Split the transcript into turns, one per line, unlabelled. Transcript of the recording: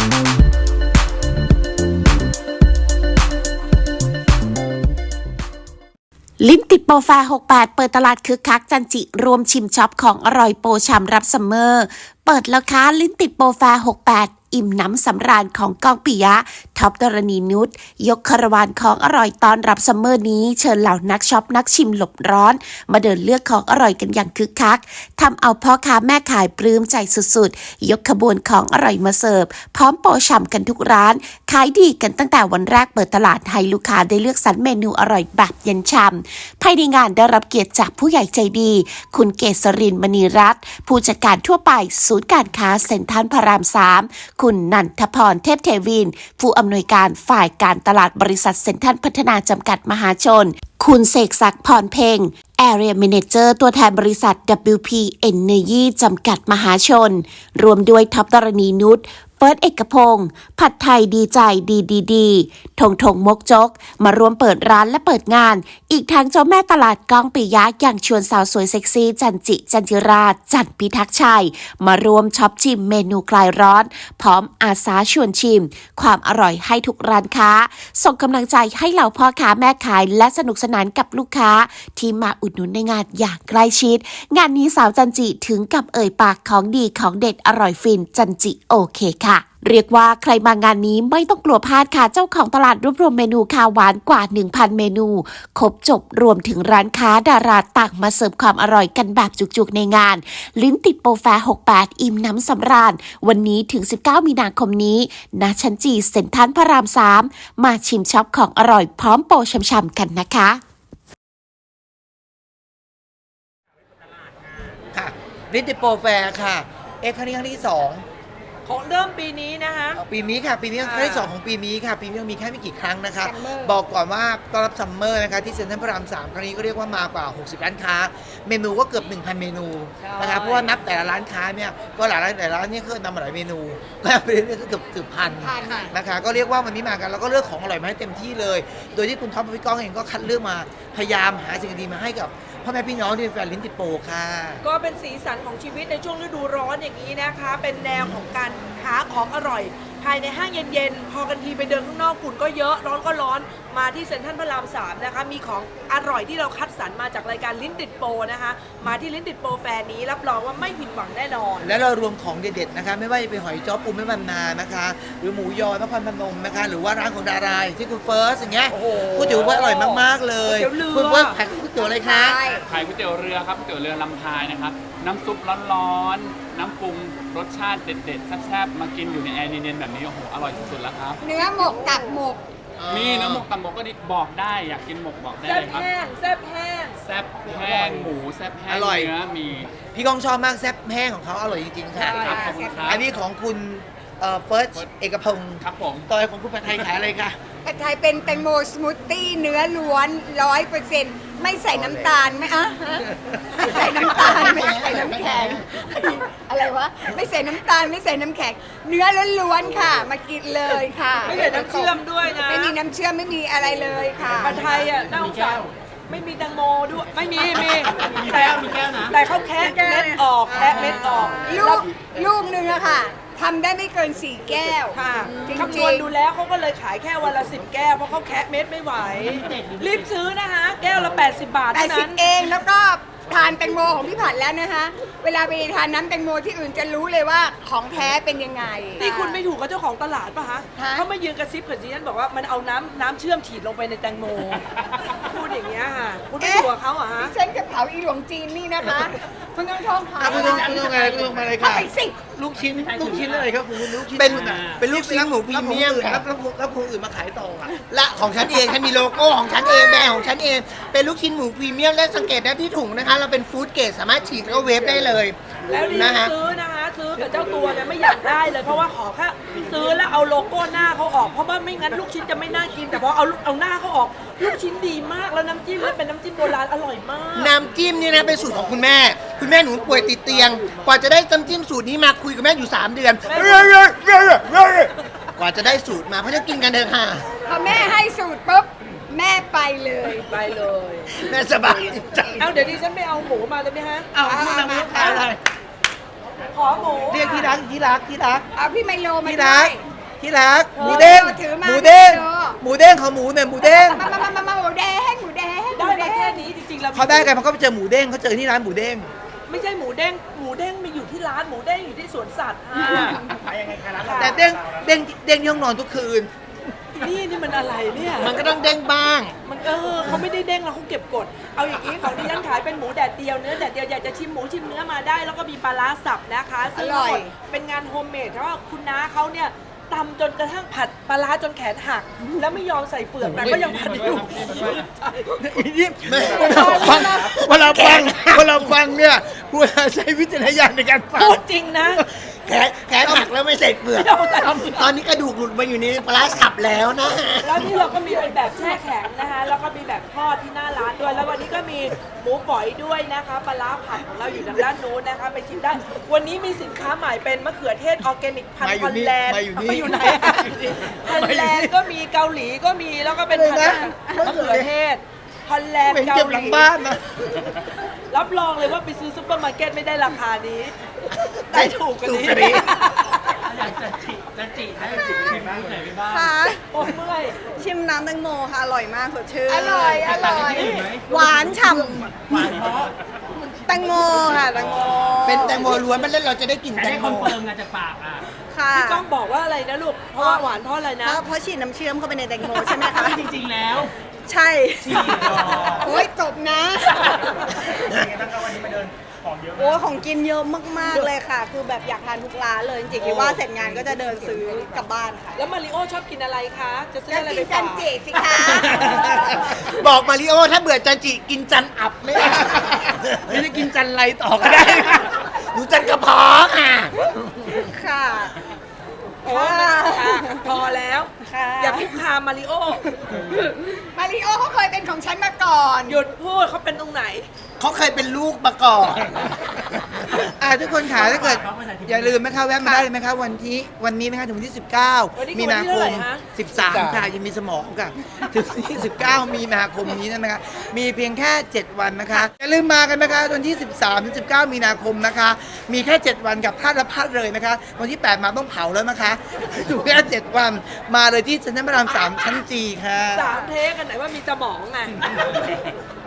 ลิ้นติดโปรแฟร์68เปิดตลาดคึกคักจันจิรวมชิมช็อปของอร่อยโปรฉ่ำรับซัมเมอร์เปิดแล้วค่ะลิ้นติดโปรแฟร์68อิ่มน้ำสำราญของก้องปิยะท็อปดรณีนุชยกคาราวานของอร่อยตอนรับซัมเมอร์นี้เชิญเหล่านักช็อปนักชิมหลบร้อนมาเดินเลือกของอร่อยกันอย่างคึกคักทำเอาพ่อค้าแม่ขายปลื้มใจสุดๆยกขบวนของอร่อยมาเสิร์ฟพร้อมโปรฉ่ำกันทุกร้านขายดีกันตั้งแต่วันแรกเปิดตลาดให้ลูกค้าได้เลือกสรรเมนูอร่อยแบบเย็นฉ่ำภายในงานได้รับเกียรติจากผู้ใหญ่ใจดีคุณเกษรินทร์มณีรัตน์ผู้จัดการทั่วไปศูนย์การค้าเซ็นทรัลพระราม3คุณนันทพรเทพเทวินผู้อำนวยการฝ่ายการตลาดบริษัทเซ็นทรัลพัฒนาจำกัดมหาชนคุณเสกศักดิ์พรเพ็ง Area Manager ตัวแทนบริษัท WP Energy จำกัดมหาชนรวมด้วยท็อปดรณีนุชเฟิร์สเอกพงศ์ผัดไทยดีใจดีทงมกจกมาร่วมเปิดร้านและเปิดงานอีกทั้งเจ้าแม่ตลาดก้องปิยะอย่างชวนสาวสวยเซ็กซี่จันจิราจันพิทักษ์ชัยมารวมช็อปชิมเมนูคลายร้อนพร้อมอาสาชวนชิมความอร่อยให้ทุกร้านค้าส่งกำลังใจให้เหล่าพ่อค้าแม่ขายและสนุกสนานกับลูกค้าที่มาอุดหนุนในงานอย่างใกล้ชิดงานนี้สาวจันจิถึงกับเอ่ยปากของดีของเด็ดอร่อยฟินจันจิโอเคค่ะเรียกว่าใครมางานนี้ไม่ต้องกลัวพลาดค่ะเจ้าของตลาดรวบรวมเมนูคาวหวานกว่า 1,000 เมนูครบจบรวมถึงร้านค้าดาราต่างมาเสิร์ฟความอร่อยกันแบบจุกๆในงานลิ้นติดโปรแฟร์68อิ่มน้ำสำราญวันนี้ถึง19มีนาคมนี้ณชั้นจีเซ็นทรัลพระราม3มาชิมช็อปของอร่อยพร้อมโปรช่ำๆกันนะคะ
ค่ะลิ้นติดโปรแฟร์ค่ะครั้งนี้ครั้งที่2
ของเริ่มปีนี้นะคะ
ปีนี้ค่ะปีนี้ครั้งที่2ของปีนี้ค่ะปีนี้มีแค่ไม่กี่ครั้งนะคะบอกก่อนว่าต้อนรับซัมเมอร์นะคะที่เซ็นทรัลพระราม3ครั้งนี้ก็เรียกว่ามากว่า60ร้านค้าเมนูก็เกือบ 1,000 เมนูนะคะเพราะว่านับแต่ละร้านค้าเนี่ยก็หลายร้านเนี่ยคือนำมาหลายเมนูก็เป็นเกือบพันนะคะก็เรียกว่าวันนี้มากันแล้วก็เลือกของอร่อยมาให้เต็มที่เลยโดยที่คุณท็อปพี่ก้องเองก็คัดเลือกมาพยายามหาสิ่งดีมาให้กับพ่อแม่พี่น้องที่เป็นแฟนลิ้นติดโปรค่ะ
ก็เป็นสีสันของชีวิตในช่วงฤดูร้อนอย่างนี้นะคะเป็นแนวของการหาของอร่อยภายในห้างเย็นๆพอกันทีไปเดินข้างนอกฝุ่นก็เยอะร้อนก็ร้อนมาที่เซ็นทรัลพระราม3นะคะมีของอร่อยที่เราคัดสรรมาจากรายการลิ้นติดโปรนะคะมาที่ลิ้นติดโปรแฟร์นี้รับรองว่าไม่ผิดหวังแน่นอน
และเรารวมของเด็ดๆนะคะไม่ว่าจะเป็นหอยจ้อปูแม่บรรณานะคะหรือหมูยอนครพนมนะคะหรือว่าร้านของดาราที่คุณเฟิร์สอย่างเงี้ยก๋วยเตี๋ยวว่าอร่อยมากๆเลยคุณเฟิร์สขายก๋วยเตี๋ยวอะไรคะ
ขายก๋วยเตี๋ยวเรือครับก๋วยเตี๋ยวเรือลำพายนะครับน้ำซุปร้อนๆน้ำปรุงรสชาติเด็ดๆแซ่บๆมากินอยู่ในแอร์เย็นๆแบบนี้โอ้โหอร่อยสุดๆแล้วครับ
เนื้อหมกตับหมก
มีเนื้อหมกตับหมกก็ดีบอกได้อยากกินหมกบอกได้เลยครับ
แซ่บแห้ง
แซ่บแห้งหมูแซ่บแห้งเนื้อมี
พี่ก้องชอบมากแซ่บแห้งของเขาอร่อยจริงๆค่ะ
ขอบคุณครับ
อันนี้ของคุณเฟิร์สเอกพงศ์
ครับผม
ต่อของคุณผัดไทยขายอะไรคะ
ผัดไทยเป็นแตงโมสมูทตี้เนื้อล้วน 100%ไม่ใส่น้ำตาลไหมไม่ใส่น้ำตาลไม่ใส่น้ำแข็งอะไรวะไม่ใส่น้ำตาลไม่ใส่น้ำแข็งเนื้อล้วนๆค่ะมากินเลยค่ะ
ไม่ใส่น้ำเชื่อมด้วยนะ
ไม่มีน้ำเชื่อมไม่มีอะไรเลยค่ะ
ผัดไทยน่าสงสารไม่มีแตงโมด้วยไม่มีแต่เขาแคะเม็ดออก
ลูกนึงอะค่ะทำได้ไม่เกิน4 แก้ว
ค่ะคำนวณดูแล้วเขาก็เลยขายแค่วันละ10 แก้วเพราะเขาแคะเม็ดไม่ไหวรีบซื้อนะคะแก้วละ80 บาทเท่านั้น
80เองแล้วก็ทานแตงโมของพี่ผัดแล้วนะคะเวลาไปทานน้ำแตงโมที่อื่นจะรู้เลยว่าของแท้เป็นยังไง
นี่คุณไม่ถูกกับเจ้าของตลาดป่ะฮะเขามายืนกระซิบกับดิฉันบอกว่ามันเอาน้ำเชื่อมฉีดลงไปในแตงโมพูดอย่างเงี้ยค่ะคุณไม่ถูกกับเขาเหรอฮะ
ฉันจะเผาอีหลวงจีนนี่นะคะคุณต้องท่องค่ะ
คุณต้องมาเลยค่ะลูกชิ้นอะไรครับคุณลูกชิ้นเป็นลูกชิ้นหมูพรีเมียมแล้วคนอื่นมาขายต่อและของฉันเองฉันมีโลโก้ของฉันเองแบรนด์ของฉันเองเป็นลูกชิ้นหมูพรีเมียมและสังเกตได้ที่ถุงนะคะเราเป็นฟู้ดเกรดสามารถฉีดแล้วก็เวฟได้เลย
แล้วนี่ซื้อนะคะซื้อกับเจ้าตัวเนี่ยไม่อยากได้เลยเพราะว่าขอแค่ซื้อแล้วเอาโลโก้หน้าเขาออกเพราะว่าไม่งั้นลูกชิ้นจะไม่น่ากินแต่พอเอาหน้าเขาออกลูกชิ้นดีมากแล้วน้ำจิ้มเป็นน้ำจิ้มโบราณอร่อยมาก
น้ำจิ้มนี่นะเป็นสูตรของคุณแม่หนูป่วยติดเตียงกว่าจะได้น้ำจิ้มสูตรนี้มาคุยกับแม่อยู่3 เดือนกว่าจะได้สูตรมาเพราะจะกินกันเถอะค่ะ
พอแม่ให้สูตรปุ๊บแม่ไปเลย
แม่สบายใจ
เอาเดี๋ยวดิฉันไปเอาหมูมาได้ไหมฮะ
เอาคุณทำอะไร
ขอหมู
เรียกที่รัก
เอาพี่ไมโลมา
ที่รักที่รักหมูเด้ง
ถือมา
หมูเด้ง
เนอะ
หมูเด้งขอหมูหน่อยหมูเด้ง
มาหมูแดงหมูแดง
ได้มาแค่นี้จริงๆแล้ว
เขาได้กันมันก็ไปเจอหมูเด้งเขาเจอที่ร้านหมูเด้ง
ไม่ใช่หมูเด้งมีอยู่ที่ร้านหมูเด้งอยู่ที่สวนสัตว์ค่ะ
แต่เด้งที่ห้องนอนทุกคืน
นี่มันอะไรเนี่ย
มันก็ต้องเด้งบ้าง
มันเขาไม่ได้เด้งแล้วเขาเก็บกด เอาอย่างนี้ของดิฉันขายเป็นหมูแดดเดียวเนื้อแดดเดียวอยากจะชิมหมูชิมเนื้อมาได้ แล้วก็มีปลาร้าสับนะคะซึ่งทั้งหมดเป็นงานโฮมเมดเพราะว่าคุณน้าเขาเนี่ยตำจนกระทั่งผัดปลาร้าจนแขนหัก แล้วไม่ยอมใส่เปลือกแต่ก็ยังผัดอยู่
เวลาฟังเนี่ยควรใช้วิจารณญาณในการฟัง
พูดจริงนะ
แขนหักแล้วไม่ใส่เปลือก
ไม่เอาแต่
ตอนนี้กระดูกหลุดมาอยู่ในปลาร้าสับแล้วนะ
แล้วนี่เราก็มีเป็นแบบแช่แข็งนะคะแล้วก็มีแบบทอดที่หน้าร้านด้วย แล้ววันนี้ก็มีหมูฝอยด้วยนะคะปลาร้าผัดของเราอยู่ทางด้านนู้นนะคะไปชิมได้ วันนี้มีสินค้าใหม่เป็นมะเขือเทศออร์แกนิกพันธุ์ฮอลแลนด์
มาอยู่นี่
ไปอยู่ไหนฮอลแลนด์ก็มีเกาหลีก็มีแล้วก็เป็นพันธุ์มะเขือเทศฮอลแลนด์
เป็น
เกา
เก็บ
ห
หลัง
ลี
บ้านนะ
รับรองเลยว่าไปซื้อซุปเปอร์มาร์เก็ตไม่ได้ราคานี้ ได้ถูกกว่านี้
ค่ะ
โอ้เมื่อย
ชิมน้ำแตงโมค่ะ อร่อยมากสดชื่น
อร่อยอร่อย
หวานฉ่ำแตงโมค่ะแตงโม
เป็นแตงโมล้วนมันเล่นเราจะได้กลิ่นแตงโม
ค่ะ
พี่ก้องบอกว่าอะไรนะลูก เพราะว่าหวานเพราะอะไรนะ
เพราะฉีดน้ำเชื่อมเข้าไปในแตงโมใช่ไหมคะ
จริงๆแล้ว
ใช่โอ้ยจบนะโอ้ยของกินเยอะมากๆเลยค่ะ คือแบบอยากทานทุกร้านเลย จริงๆคิดว่าเสร็จงานก็จะเดินซื้อกลับบ้านค่ะ
แล้วมาริโอชอบกินอะไรคะ จะซื้อ
จะ
อะไร
กิ
ไป
นจั
ฝาน ก
จิสิคะ
บอกมาริโอถ้าเบื่อจันจิกินจันอับไม่ได้
ไม่ได้กินจันไรต่อก็ได้
หนูจันกระเพาะค่ะ
ค่ะ
โอ้มันค่ะพอแล้ว
ค่ะ
อย่าคุกคามมาริโอ
มาริโอเขาเคยเป็นของฉันมาก่อน
หยุดพูดเขาเป็นตรงไหน
เขาเคยเป็นลูกมาก่อน
ทุกคนขาถ้าเกิดอย่าลืมนะคะแวะมาได้เลยไหมคะวันนี้นะคะถึงวันที่
วันนี้
19 มีนาค
วันที่เท่าไหร่
ม
ฮะ
13 ค่ะยังมีสมองค่ะถึงวันที่ 19 มีนาคมนี้นะคะมีเพียงแค่ 7 วันนะคะอย่าลืมมากันนะคะวันที่ 13 ถึง 19 มีนาคมนะคะ มีแค่ 7 วันกับพลาดและพลาดเลยนะคะ วันที่ 8 มาต้องเผาแล้วนะคะอยู่แค่ 7 วันมาเลยที่เซ็นทรัลพระราม 3 ชั้นจีค่ะ
3 เทคกันไหนว่ามีสมองไง